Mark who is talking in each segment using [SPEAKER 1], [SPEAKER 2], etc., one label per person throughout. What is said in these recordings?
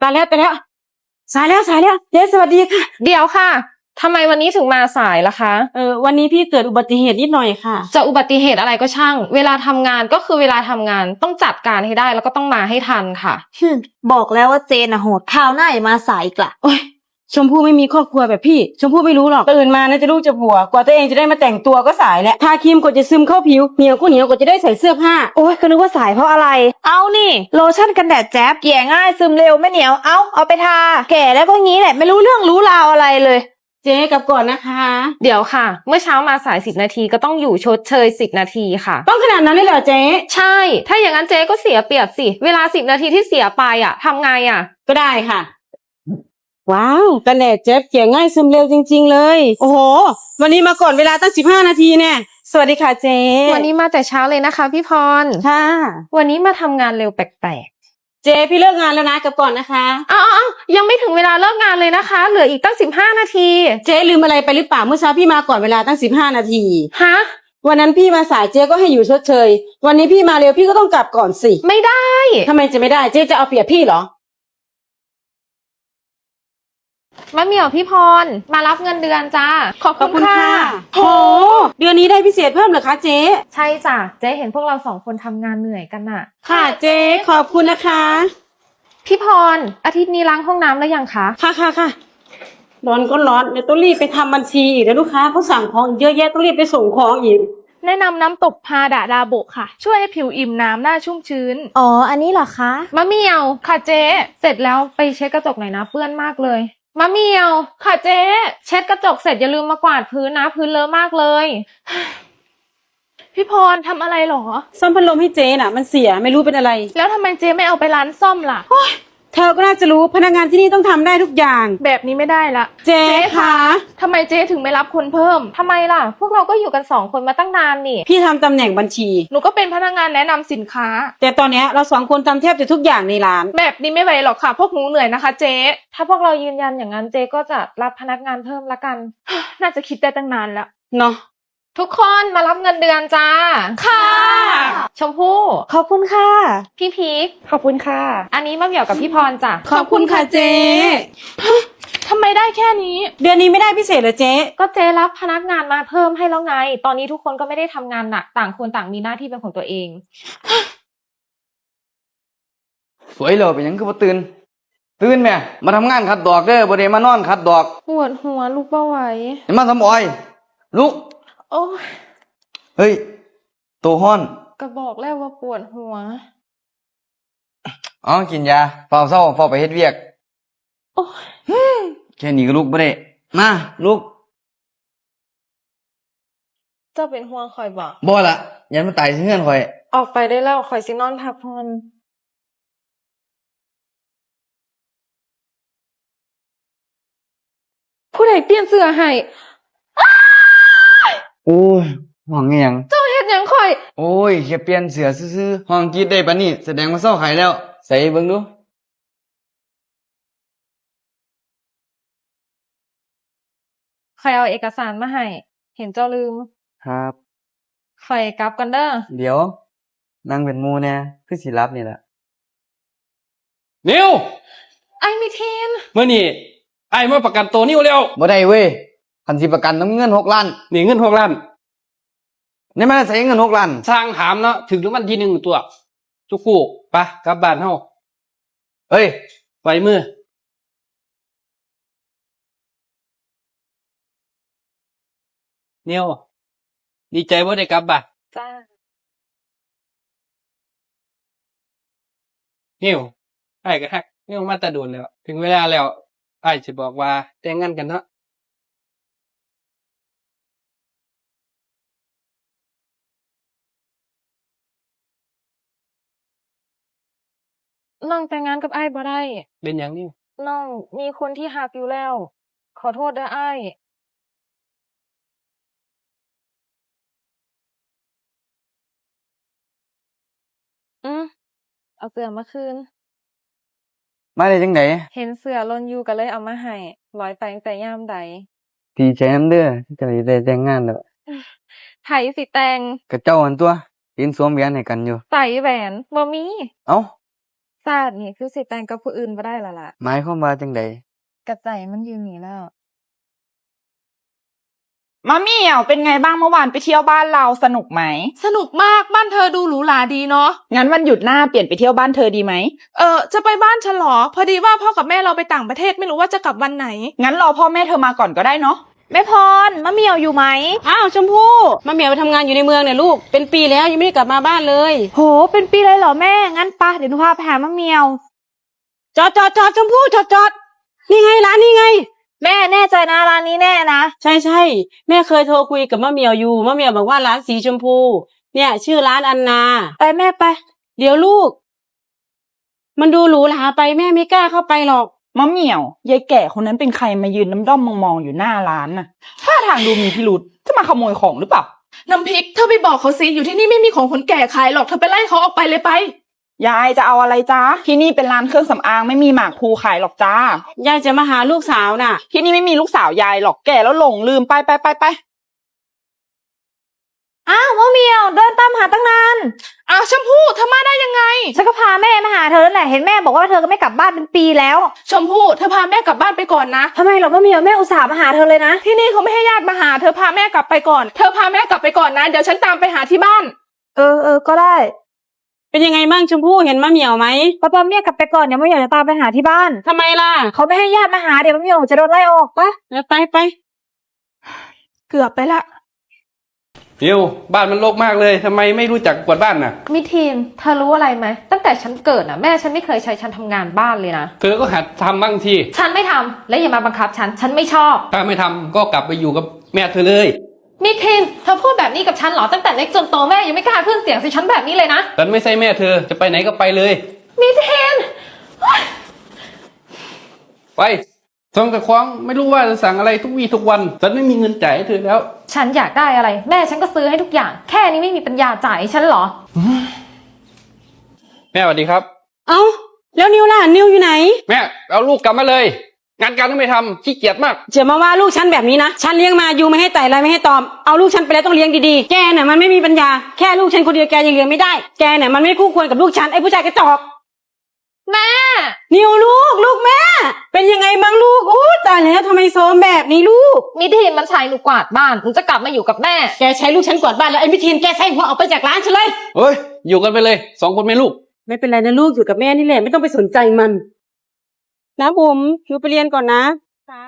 [SPEAKER 1] ายแล้วสายแล้วเจ๊สวัสดีค่ะ
[SPEAKER 2] เดี๋ยวค่ะทำไมวันนี้ถึงมาสายล่ะคะ
[SPEAKER 1] วันนี้พี่เกิดอุบัติเหตุนิดหน่อยค่ะ
[SPEAKER 2] จะอุบัติเหตุอะไรก็ช่างเวลาทำงานก็คือเวลาทำงานต้องจัดการให้ได้แล้วก็ต้องมาให้ทันค่ะ
[SPEAKER 3] บอกแล้วว่าเจนโหดข่าวหน้าอย่ามาสายอีกละ
[SPEAKER 1] โอ๊ยชมพู่ไม่มีครอบครัวแบบพี่ชมพู่ไม่รู้หรอกตื่นมานะจะลูกจะผัวกว่าตัวเองจะได้มาแต่งตัวก็สายแล้วทาครีมกว่าจะซึมเข้าผิวเหนียวก็เหนียวกว่าจะได้ใส่เสื้อผ้า
[SPEAKER 3] โอ้ยก็นึกว่าสายเพราะอะไรเอานี่โลชั่นกันแดดแจ๊บแก่ง่ายซึมเร็วไม่เหนียวเอาไปทาแก่แล้วก็งี้แหละไม่รู้เรื่องรู้ราวอะไรเลย
[SPEAKER 1] เจ๊กลับก่อนนะคะ
[SPEAKER 2] เดี๋ยวค่ะเมื่อเช้ามาสาย10 นาทีก็ต้องอยู่ชดเชย10 นาทีค่ะ
[SPEAKER 1] ต้องขนาดนั้นเลยเหรอเจ๊
[SPEAKER 2] ใช่ถ้าอย่างนั้นเจ๊ก็เสียเปรียบสิเวลา10 นาทีที่เสียไปทำไง
[SPEAKER 1] ก็ได้ค่ะว้าวกันแดดเจ๊เกลี่ยง่ายซึมเร็วจริงๆเลยโอ้โหวันนี้มาก่อนเวลาตั้ง15 นาทีเนี่ยสวัสดีค่ะเจ๊
[SPEAKER 2] วันนี้มาแต่เช้าเลยนะคะพี่พร
[SPEAKER 1] ค่ะ
[SPEAKER 2] วันนี้มาทำงานเร็วแปลก
[SPEAKER 1] ๆเจ๊พี่เลิกงานแล้วนะกลับก่อนนะคะ
[SPEAKER 2] อ้าวยังไม่ถึงเวลาเลิกงานเลยนะคะเหลืออีกตั้ง15 นาที
[SPEAKER 1] เจ๊ลืมอะไรไปหรือเปล่าเมื่อเช้าพี่มาก่อนเวลาตั้ง15 นาที
[SPEAKER 2] ฮะ
[SPEAKER 1] วันนั้นพี่มาสายเจ๊ก็ให้อยู่ชดเชยวันนี้พี่มาเร็วพี่ก็ต้องกลับก่อนสิ
[SPEAKER 2] ไม่ได้
[SPEAKER 1] ทำไมจะไม่ได้เจ๊จะเอาเปรียบพี่เหรอ
[SPEAKER 2] มะเหมี่ยวพี่พรมารับเงินเดือนจ้าขอบคุณค่ะ
[SPEAKER 1] โหเดือนนี้ได้พิเศษเพิ่มเหรอคะเจ๊
[SPEAKER 2] ใช่จ้ะเจ๊เห็นพวกเรา2 คนทำงานเหนื่อยกัน
[SPEAKER 1] ค่ะเจ๊ขอบคุณนะคะ
[SPEAKER 2] พี่พรอาทิตย์นี้ล้างห้องน้ำแล้วยังคะ
[SPEAKER 1] ค่ะร้อนก็ร้อนเดี๋ยวต้องรีบไปทำบัญชีอีกแล้วลูกค้าเขาสั่งของเยอะแยะต้องรีบไปส่งของอีก
[SPEAKER 4] แนะนำน้ำตกพาดาดาโบะค่ะช่วยให้ผิวอิ่มน้ำหน้าชุ่มชื้น
[SPEAKER 3] อ๋ออันนี้เหรอคะ
[SPEAKER 2] มะเหมี่ยว
[SPEAKER 4] ค่ะเจ๊
[SPEAKER 2] เสร็จแล้วไปเช็ดกระจกหน่อยนะเปื้อนมากเลยมะเหมี่ยว
[SPEAKER 4] ค่ะเจ๊
[SPEAKER 2] เช็ดกระจกเสร็จอย่าลืมมากวาดพื้นนะพื้นเลอะมากเลย
[SPEAKER 4] พี่พรทำอะไรหรอ
[SPEAKER 1] ซ่อมพัดลมให้เจ๊น่ะมันเสียไม่รู้เป็นอะไร
[SPEAKER 4] แล้วทำไมเจ๊ไม่เอาไปร้านซ่อมล่ะ
[SPEAKER 1] เธอก็น่าจะรู้พนักงานที่นี่ต้องทำได้ทุกอย่าง
[SPEAKER 4] แบบนี้ไม่ได้ละ
[SPEAKER 1] เจ๊คะ
[SPEAKER 4] ทำไมเจ๊ถึงไม่รับคนเพิ่ม
[SPEAKER 2] ทำไมล่ะพวกเราก็อยู่กัน2 คนมาตั้งนานนี่
[SPEAKER 1] พี่ทำตำแหน่งบัญชี
[SPEAKER 4] หนูก็เป็นพนักงานแนะนำสินค้า
[SPEAKER 1] แต่ตอนนี้เรา2 คนทำแทบจะทุกอย่างในร้าน
[SPEAKER 4] แบบนี้ไม่ไหวหรอกค่ะพวกหนูเหนื่อยนะคะเจ๊
[SPEAKER 2] ถ้าพวกเรายืนยันอย่างนั้นเจ๊ก็จะรับพนักงานเพิ่มละกัน
[SPEAKER 4] น่าจะคิดได้ตั้งนานแล้ว
[SPEAKER 1] เนาะ
[SPEAKER 2] ทุกคนมารับเงินเดือนจ้า
[SPEAKER 4] ค่ะ
[SPEAKER 2] ชมพู่
[SPEAKER 3] ขอบคุณค่ะ
[SPEAKER 2] พี่พีค
[SPEAKER 4] ขอบคุณค่ะ
[SPEAKER 2] อันนี้มะเหมี่ยวกับพี่พรจ้ะ
[SPEAKER 1] ขอบคุณค่ะเจ๊
[SPEAKER 4] ทำไมได้แค่นี้
[SPEAKER 1] เดือนนี้ไม่ได้พิเศษเหรอเจ๊
[SPEAKER 2] ก็เจ๊รับพนักงานมาเพิ่มให้แล้วไงตอนนี้ทุกคนก็ไม่ได้ทำงานหนักต่างคนต่างมีหน้าที่เป็นของตัวเอง
[SPEAKER 5] สวยเลยเป็นยังคือบ่ตื่นแม่มาทำงานขัดดอกเด้อบ่ได้มานอนขัดดอก
[SPEAKER 2] ปวดหัวลุกบ่ไหว
[SPEAKER 5] มาทำอ้อยลุก
[SPEAKER 2] โอ้ย
[SPEAKER 5] เฮ้ยโตฮ้อน
[SPEAKER 2] ก็บอกแล้วว่าปวดหัว
[SPEAKER 5] กินยาเฝ้าเศร้าเฝ้าไปเฮ็ดเวียก
[SPEAKER 2] โอ้
[SPEAKER 5] ยแค่นี้ก็ลุกบ่ได้มาลุก
[SPEAKER 2] เจ้าเป็นห่วงข่อย
[SPEAKER 5] บ่ล่ะยันมันตายสิเฮือนข่อย
[SPEAKER 2] ออกไปได้แล้วข่อยสินอนพักผ่อนผู้ใดเปลี่ยนเสื้อให้
[SPEAKER 5] โอ้ยห้องอีหยัง
[SPEAKER 2] เจ้าเฮ็ดหยังข่อย
[SPEAKER 5] โอ้ยแค่เปลี่ยนเสื้อซื่อๆห้องกรีดได้ปานนี้แสดงว่าเซาไข้แล้วใส่เบิ่งดู
[SPEAKER 2] ข่อยเอาเอกสารมาให้เห็นเจ้าลืม
[SPEAKER 5] ครับ
[SPEAKER 2] ข่อยกลับกันเด้อ
[SPEAKER 5] เดี๋ยวนั่งเป็นหมู่แน่คือสิรับนี่ล่ะ
[SPEAKER 6] นิว
[SPEAKER 2] ไอ้มิทีน
[SPEAKER 6] มื้อนี้ไอ้มาประกันตัวนิวแล้ว
[SPEAKER 5] บ่ได้เว้ยคันสิประกันต้องเงิน6 ล้าน
[SPEAKER 6] นี่เงิน6 ล้าน
[SPEAKER 5] นี่มันใส่เงิน6 ล้าน
[SPEAKER 6] สร้างถามเนาะถึงรางวัลที่1ตัวจุกูไปกลับบ้านเฮา
[SPEAKER 5] เฮ้ย
[SPEAKER 6] ไว้มือนิวดีใจบ่ได้กลับบ้าน
[SPEAKER 2] จ้า
[SPEAKER 6] นิวไอ้ก็ฮักนิวมาแต่โดนแล้วถึงเวลาแล้วไอ้สิบอกว่าแต่งงานกันเนาะ
[SPEAKER 2] น้องแต่งงานกับอ้ายบ่ได้
[SPEAKER 6] เป็นหยังนิว
[SPEAKER 2] น้องมีคนที่ฮักอยู่แล้วขอโทษเด้ออ้ายเอาเสื้อมาคืน
[SPEAKER 5] มาได้จังได๋
[SPEAKER 2] เห็นเสื้อหล่นอยู่ก็เลยเอามาให้ร้อยไปตั้งแต่ยามใด
[SPEAKER 5] ดีใจนำเด้อเจ้าสิได้แต่งงานแล้ว
[SPEAKER 2] ไผสิแต่ง
[SPEAKER 5] ก็เจ้าหั่นตัวยืนสวมแหวนให้กันอยู่
[SPEAKER 2] ใส่แหวนบ่มี
[SPEAKER 5] เอ้า
[SPEAKER 2] ศาสตร์นี่คือสิแต่งกับผู้อื่นบ่ได้และล่ะ
[SPEAKER 5] หมายความว่าจังใด
[SPEAKER 2] กระใจมันอยู่นี่แล้ว
[SPEAKER 3] มะเหมี่ยวเป็นไงบ้างเมื่อวานไปเที่ยวบ้านเราสนุกไหม
[SPEAKER 4] สนุกมากบ้านเธอดูหรูหราดีเนาะ
[SPEAKER 3] งั้นวันหยุดหน้าเปลี่ยนไปเที่ยวบ้านเธอดีไหม
[SPEAKER 4] จะไปบ้านฉันเหรอ พอดีว่าพ่อกับแม่เราไปต่างประเทศไม่รู้ว่าจะกลับวันไหน
[SPEAKER 3] งั้นรอพ่อแม่เธอมาก่อนก็ได้เนาะแม่พรมะเหมี่ยวอยู่ไหม
[SPEAKER 1] อ้าวชมพู่มาเหมียวไปทำงานอยู่ในเมืองเนี่ยลูกเป็นปีแล้วยังไม่ได้กลับมาบ้านเลย
[SPEAKER 3] โหเป็นปีเลยเหรอแม่งั้นปะเดี๋ยวหนูพาไปหามะเหมี่ยว
[SPEAKER 1] จอดชมพู่จอดนี่ไงร้านนี่ไง
[SPEAKER 3] แม่แน่ใจนะร้านนี้แน่นะ
[SPEAKER 1] ใช่แม่เคยโทรคุยกับมะเหมียวอยู่มะเหมียวบอกว่าร้านสีชมพูเนี่ยชื่อร้านอันนา
[SPEAKER 3] ไปแม่ไป
[SPEAKER 1] เดี๋ยวลูก มันดูหรูหราไปแม่ไม่กล้าเข้าไปหรอก
[SPEAKER 3] มะเหมี่ยวยายแก่คนนั้นเป็นใครมายืนน้ำด้อมมองๆอยู่หน้าร้านน่ะท่าทางดูมีพิรุษจะมาขโมยของหรือเปล่า
[SPEAKER 4] น้ำพริกเธอไปบอกเขาสิอยู่ที่นี่ไม่มีของคนแก่ขายหรอกเธอไปไล่เขาออกไปเลยไป
[SPEAKER 3] ยายจะเอาอะไรจ้าที่นี่เป็นร้านเครื่องสำอางไม่มีหมากพลูขายหรอกจ้าย
[SPEAKER 1] ายจะมาหาลูกสาวน่ะ
[SPEAKER 3] ที่นี่ไม่มีลูกสาวยายหรอกแก่แล้วหลงลืมไปอ้าวมะเหมี่ยวเดินตามหาตั้งนาน
[SPEAKER 4] อ้าวชมพู่เธอมาได้ยังไง
[SPEAKER 3] ฉันก็พาแม่มาหาเธอนั่นแหละเห็นแม่บอกว่าเธอก็ไม่กลับบ้านเป็นปีแล้ว
[SPEAKER 4] ชมพู่เธอพาแม่กลับบ้านไปก่อนนะ
[SPEAKER 3] ทำไมหรอมะเหมี่ยวแม่อุตส่าห์มาหาเธอเลยนะ
[SPEAKER 4] ที่นี่เขาไม่ให้ญาติมาหาเธอพาแม่กลับไปก่อน เธอพาแม่กลับไปก่อนนะเดี๋ยวฉันตามไปหาที่บ้าน
[SPEAKER 3] เออก็ได้
[SPEAKER 1] เป็นยังไงบ้างชมพู่เห็นมะเหมียวไหม
[SPEAKER 3] ป้าเมียกลับไปก่อนเดี๋ยวมะเหมี่ยวจะตามไปหาที่บ้าน
[SPEAKER 1] ทำไมล่ะ
[SPEAKER 3] เขาไม่ให้ญาติมาหาเดี๋ยวมะเหมี่ยวจะโดนไล่ออกปะ
[SPEAKER 1] ไป
[SPEAKER 4] เกือบไปละ
[SPEAKER 6] นิวบ้านมันรกมากเลยทำไมไม่รู้จักกวาดบ้านน่ะ
[SPEAKER 2] มิทีนเธอรู้อะไรไหมตั้งแต่ฉันเกิดน่ะแม่ฉันไม่เคยใช้ฉันทำงานบ้านเลยนะ
[SPEAKER 6] เธอก็หัดทำบ้างที
[SPEAKER 2] ฉันไม่ทำและอย่ามาบังคับฉันไม่ชอบ
[SPEAKER 6] ถ้าไม่ทำก็กลับไปอยู่กับแม่เธอเลย
[SPEAKER 2] มิทีนเธอพูดแบบนี้กับฉันเหรอตั้งแต่เล็กจนโตแม่ยังไม่กล้าขึ้นเสียงใส่ฉันแบบนี้เลยนะ
[SPEAKER 6] ฉันไม่ใช่แม่เธอจะไปไหนก็ไปเลย
[SPEAKER 2] มิทีน
[SPEAKER 6] ไปส่งแต่ของไม่รู้ว่าจะสั่งอะไรทุกวี่ทุกวันฉันไม่มีเงินจ่ายให้เธอแล้ว
[SPEAKER 2] ฉันอยากได้อะไร แม่ฉันก็ซื้อให้ทุกอย่าง แค่นี้ไม่มีปัญญาจ่ายให้ฉันเหรอ
[SPEAKER 6] แม่สวัสดีครับ
[SPEAKER 1] เอาแล้วนิวล่ะนิวอยู่ไหน
[SPEAKER 6] แม่เอาลูกกลับมาเลย งานการก็ไม่ทำขี้เกียจมาก
[SPEAKER 1] จะมาว่าลูกฉันแบบนี้นะฉันเลี้ยงมาอยู่ไม่ให้ไต่อะไรไม่ให้ตอมเอาลูกฉันไปแล้วต้องเลี้ยงดีๆแกน่ะมันไม่มีปัญญาแค่ลูกฉันคนเดียวแกยังเลี้ยงไม่ได้แกน่ะมันไม่คู่ควรกับลูกฉันไอ้ผู้ชายกระจอก
[SPEAKER 2] แม่
[SPEAKER 1] นิวลูกแม่ เป็นยังไงบ้างลูกโอ้ตายแล้วทำไมโซมแบบนี้ลูก
[SPEAKER 2] มิทีนมันใช้หนูกวาดบ้านหนูจะกลับมาอยู่กับแม่
[SPEAKER 1] แกใช้ลูกฉันกวาดบ้านแล้วไอ้มิทีนแกใส่หัวออกไปจากร้านฉันเลย
[SPEAKER 6] เฮ้ยอยู่กันไปเลย2 คนแม่ลูก
[SPEAKER 1] ไม่เป็นไรนะลูกอยู่กับแม่นี่แหละไม่ต้องไปสนใจมันนะบุ๋มหนูไปเรียนก่อนนะจ้า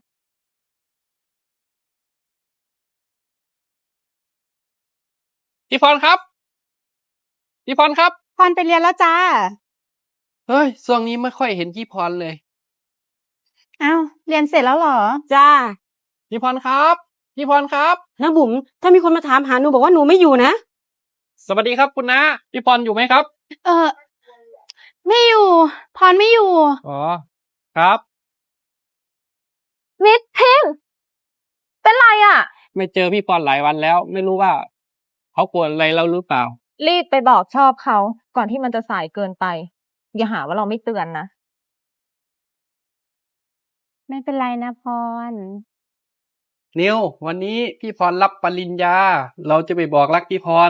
[SPEAKER 6] พี่พรครับ พี่พรครับ
[SPEAKER 1] พรไปเรียนแล้วจ้า
[SPEAKER 6] เฮ้ยช่วงนี้ไม่ค่อยเห็นพี่พรเลย
[SPEAKER 3] อ้าวเรียนเสร็จแล้วเหรอ
[SPEAKER 1] จ้า
[SPEAKER 6] พี่พรครับ พี่พรครับ
[SPEAKER 1] นะบุ๋มถ้ามีคนมาถามหาหนูบอกว่าหนูไม่อยู่นะ
[SPEAKER 6] สวัสดีครับคุณน้าพี่พรอยู่ไหมครับ
[SPEAKER 4] ไม่อยู่ พรไม่อยู่
[SPEAKER 6] อ๋อครับ
[SPEAKER 2] มิทีนเป็นไรอ่ะ
[SPEAKER 6] ไม่เจอพี่พรหลายวันแล้ว ไม่รู้ว่าเขากวนอะไรเราหรือเปล่า
[SPEAKER 2] รีบไปบอกชอบเขาก่อนที่มันจะสายเกินไป อย่าหาว่าเราไม่เตือนนะ
[SPEAKER 1] ไม่เป็นไรนะพร
[SPEAKER 6] นิววันนี้พี่พรรับปริญญา เราจะไปบอกรักพี่พร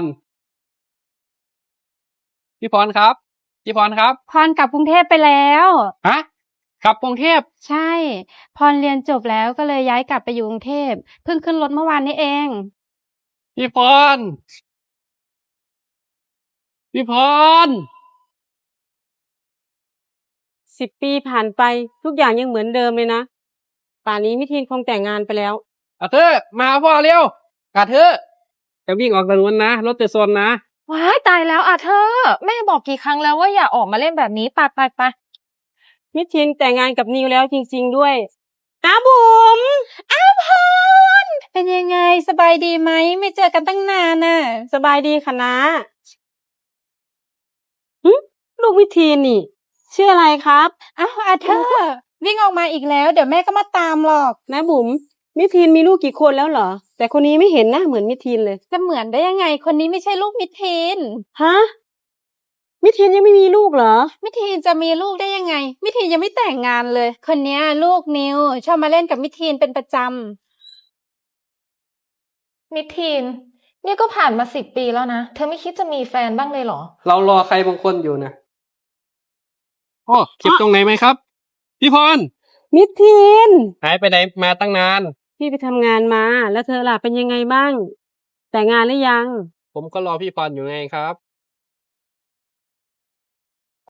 [SPEAKER 6] พี่พรครับ พี่พรครับ
[SPEAKER 7] พรกลับกรุงเทพไปแล้ว
[SPEAKER 6] ฮะกลับกรุงเทพ
[SPEAKER 7] ใช่ พรเรียนจบแล้วก็เลยย้ายกลับไปอยู่กรุงเทพเพิ่งขึ้นรถเมื่อวานนี้เอง
[SPEAKER 6] พี่พร พี่พร
[SPEAKER 1] 10 ปีผ่านไปทุกอย่างยังเหมือนเดิมเลยนะป่านนี้มิทีนคงแต่งงานไปแล้ว
[SPEAKER 6] อาเธอมาพ่อเร็วอาเธอจะวิ่งออกถนนนะรถจะชนนะ
[SPEAKER 2] ว้ายตายแล้วอ่ะเธอ แม่บอกกี่ครั้งแล้วว่าอย่าออกมาเล่นแบบนี้ไป
[SPEAKER 1] มิทีนแต่งงานกับนิวแล้วจริงๆด้วยนะบุ๋ม
[SPEAKER 7] เป็นยังไงสบายดีไหมไม่เจอกันตั้งนานน่ะ
[SPEAKER 1] สบายดีค่ะนะหึลูกมิทีนนี่ ชื่ออะไรครับ
[SPEAKER 7] อ้าวอาเธอร์วิ่งออกมาอีกแล้วเดี๋ยวแม่ก็มาตามหรอก
[SPEAKER 1] นะบุ๋มมิทีนมีลูกกี่คนแล้วเหรอ แต่คนนี้ไม่เห็นหน้าเหมือนมิทีนเลย
[SPEAKER 7] จะเหมือนได้ยังไงคนนี้ไม่ใช่ลูกมิทีน
[SPEAKER 1] ฮะมิทีนยังไม่มีลูกเหรอ
[SPEAKER 7] มิทีนจะมีลูกได้ยังไง มิทีนยังไม่แต่งงานเลย คนเนี้ยลูกนิวชอบมาเล่นกับมิทีนเป็นประจำ
[SPEAKER 2] มิทีนนี่ก็ผ่านมา10 ปีแล้วนะ เธอไม่คิดจะมีแฟนบ้างเลยเหรอ
[SPEAKER 6] เรารอใครบางคนอยู่นะอ๋อเจ็บตรงไหนไหมครับ พี่พร
[SPEAKER 1] มิทีน
[SPEAKER 6] หายไปไหนมาตั้งนาน
[SPEAKER 1] พี่ไปทำงานมา แล้วเธอล่ะเป็นยังไงบ้าง แต่งงานหรือยัง
[SPEAKER 6] ผมก็รอพี่พรอยู่ไงครับ